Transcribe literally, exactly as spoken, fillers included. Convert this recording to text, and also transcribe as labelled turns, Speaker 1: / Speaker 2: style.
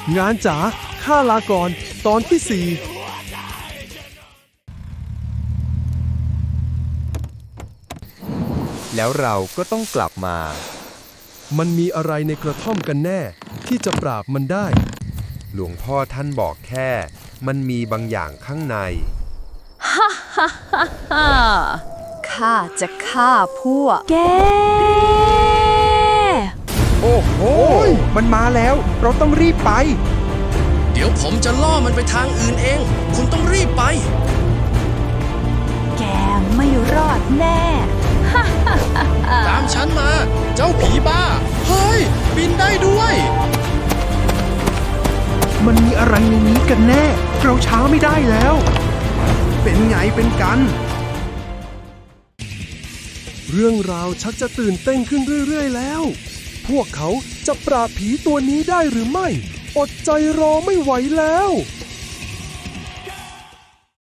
Speaker 1: งานจ๋าข้าลาก่อนตอนที่สี่
Speaker 2: แล้วเราก็ต้องกลับมา
Speaker 1: มันมีอะไรในกระท่อมกันแน่ที่จะปราบมันได้
Speaker 2: หลวงพ่อท่านบอกแค่มันมีบางอย่างข้างใน
Speaker 3: ฮ่าฮ่าฮ่าฮ่าข้าจะฆ่าพวกแก
Speaker 2: โอ้โหมันมาแล้วเราต้องรีบไป
Speaker 4: เดี๋ยวผมจะล่อมันไปทางอื่นเองคุณต้องรีบไป
Speaker 3: แกไม่รอดแน่
Speaker 4: ตามฉันมาเจ้าผีบ้าเฮ้ยบินได้ด้วย
Speaker 1: มันมีอะไรในนี้กันแน่เราช้าไม่ได้แล้วเป็นไงเป็นกันเรื่องราวชักจะตื่นเต้นขึ้นเรื่อยๆแล้วพวกเขาจะปราบผีตัวนี้ได้หรือไม่อดใจรอไม่ไหวแล้ว